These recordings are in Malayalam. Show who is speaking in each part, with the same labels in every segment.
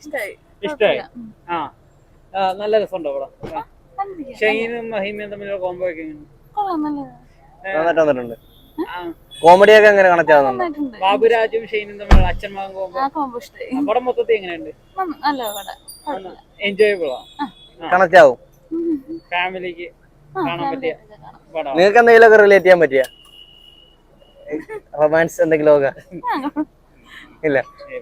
Speaker 1: ഇഷ്ടമായി. ആ നല്ല രസമുണ്ടോ പടം? ഷൈനും മഹിമയും തമ്മിലുള്ള കോംബോ ഒക്കെ
Speaker 2: വന്നിട്ടുണ്ട്. കോമഡി ഒക്കെ എങ്ങനെ കണക്ട് ആവുന്നുണ്ട്?
Speaker 1: ബാബുരാജും ഷൈനും തമ്മിലുള്ള അച്ഛൻ മകൻ കോംബോ പടം മൊത്തത്തിൽ എങ്ങനെയുണ്ട്? എൻജോയബിൾ
Speaker 2: കണക്ട് ആവും.
Speaker 1: ഫാമിലിക്ക് കാണാൻ പറ്റിയ പടം.
Speaker 2: നിങ്ങൾക്ക് എന്തെങ്കിലുമൊക്കെ റിലേറ്റ് ചെയ്യാൻ പറ്റിയ റൊമാൻസ് എന്തെങ്കിലും ഒക്കെ? ഇല്ല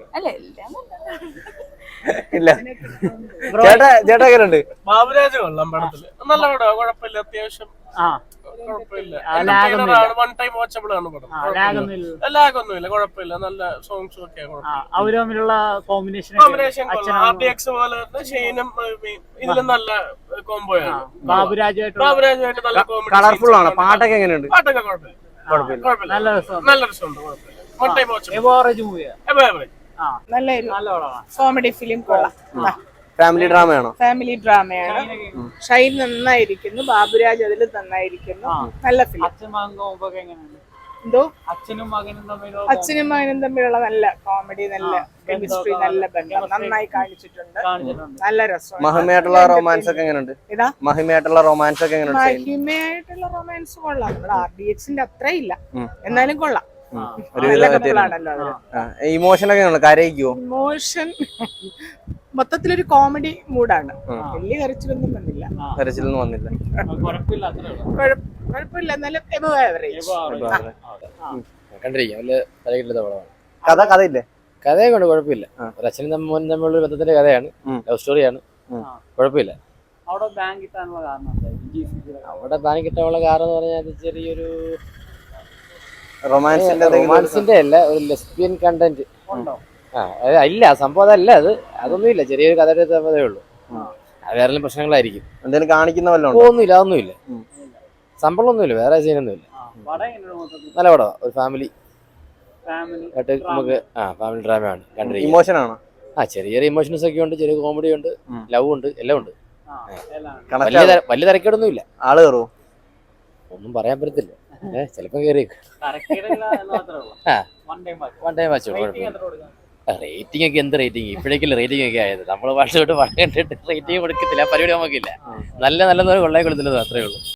Speaker 2: ഇല്ല. ചേട്ടാ എങ്ങനെയുണ്ട്?
Speaker 3: ബാബുരാജ് കൊള്ളാം പടത്തില്. നല്ല പടം, കുഴപ്പമില്ല, അത്യാവശ്യം കുഴപ്പമില്ല. വൺ ടൈം വാച്ചബിൾ ആണ് പടം. ലാഗൊന്നുമില്ല, കുഴപ്പമില്ല, നല്ല സോങ്സും ഒക്കെ.
Speaker 1: അവര് തമ്മിലുള്ള കോമ്പിനേഷൻ
Speaker 3: RDX പോലെ തന്നെ ഷെയ്നും ഇതിലും നല്ല കോംബോയാണ്.
Speaker 1: ബാബുരാജുമായിട്ട്
Speaker 3: നല്ല കോമഡി.
Speaker 2: കളർഫുൾ ആണ്. പാട്ടൊക്കെ എങ്ങനെയുണ്ട്?
Speaker 3: പാട്ടൊക്കെ കുഴപ്പമില്ല, നല്ല രസമുണ്ട്, കുഴപ്പമില്ല. One time watchable.
Speaker 4: നല്ല കോമഡി ഫിലിം കൊള്ളാം.
Speaker 2: ഫാമിലി ഡ്രാമയാണോ?
Speaker 4: ഫാമിലി ഡ്രാമയാണ്. ഷൈൻ നന്നായിരിക്കുന്നു, ബാബുരാജ് അതിൽ നന്നായിരിക്കുന്നു. നല്ല ഫിലിം. എന്തോ അച്ഛനും മകനും തമ്മിലുള്ള നല്ല കോമഡി, നല്ല കെമിസ്ട്രി, നല്ല ബന്ധം നന്നായി കാണിച്ചിട്ടുണ്ട്. നല്ല രസം.
Speaker 2: മഹിമയായിട്ടുള്ള റൊമാൻസ് ഒക്കെ എങ്ങനെയുണ്ട്? മഹിമയായിട്ടുള്ള റൊമാൻസ് ഒക്കെ എങ്ങനെയുണ്ട്?
Speaker 4: മഹിമയായിട്ടുള്ള റൊമാൻസ് കൊള്ളാം. നമ്മുടെ RDX-ന്റെ അത്ര ഇല്ല, എന്നാലും കൊള്ളാം.
Speaker 2: ഇമോഷൻ ഒക്കെ കരയിക്കുവോ?
Speaker 4: ഇമോഷൻ മൊത്തത്തിലൊരു കോമഡി മൂഡാണ്. വലിയ കരച്ചിലൊന്നും വന്നില്ല.
Speaker 2: കരച്ചിലൊന്നും വന്നില്ല.
Speaker 4: കുഴപ്പമില്ല, എന്നാലും എബവ് ആവറേജ്.
Speaker 5: കണ്ടിരിക്കാം, വലിയ തലകിട്ടുന്ന പടമാണ്.
Speaker 2: കഥ ഇല്ലേ?
Speaker 5: കഥയെ കൊണ്ട് കുഴപ്പമില്ല. ഒരു അച്ഛനും മോനും തമ്മിലുള്ള ബന്ധത്തിന്റെ കഥയാണ്, ലവ് സ്റ്റോറിയാണ്, കുഴപ്പമില്ല.
Speaker 1: അവിടെ ബാങ്ക് കിട്ടാനുള്ള
Speaker 5: കാരണം എന്ന് പറഞ്ഞാൽ ചെറിയൊരു
Speaker 2: റൊമാൻസിന്റെ
Speaker 5: അല്ല, ഒരു ലെസ്ബിയൻ കണ്ടന്റ് ഇല്ല. സംഭവം അതല്ല, അതൊന്നും ഇല്ല. ചെറിയൊരു കഥയുടെ തമ്മതേ ഉള്ളൂ. വേറെ പ്രശ്നങ്ങളായിരിക്കും.
Speaker 2: എന്തെങ്കിലും കാണിക്കുന്ന വല്ല
Speaker 5: ഒന്നുമില്ല, അതൊന്നുമില്ല. സംഭവം ഒന്നുമില്ല, വേറെ സീനൊന്നുമില്ല. നല്ല പടം, ഒരു ഫാമിലി ആയിട്ട് നമുക്ക് ഫാമിലി ഡ്രാമയാണ്. കണ്ടിരിക്കും.
Speaker 2: ഇമോഷൻ ആണോ?
Speaker 5: ചെറിയ ഇമോഷൻസ് ഒക്കെ ഉണ്ട്, ചെറിയ കോമഡി ഉണ്ട്, ലവ് ഉണ്ട്, എല്ലാം ഉണ്ട്. വലിയ തിരക്കേടൊന്നും ഇല്ല.
Speaker 2: ആള് കയറുമോ?
Speaker 5: ഒന്നും പറയാൻ പറ്റത്തില്ല. ചിലപ്പോ കയറിയേക്കും. റേറ്റിംഗ് ഒക്കെ എന്ത് റേറ്റിംഗ്? ഇപ്പോഴേക്കല്ലേ റേറ്റിംഗ് ഒക്കെ ആയത്. നമ്മള് വർഷമായിട്ട് കണ്ടിട്ട് റേറ്റിംഗ് കൊടുക്കത്തില്ല, പരിപാടി നമുക്കില്ല. നല്ല കൊള്ളായി കൊടുത്തില്ല, അത്രേ ഉള്ളൂ.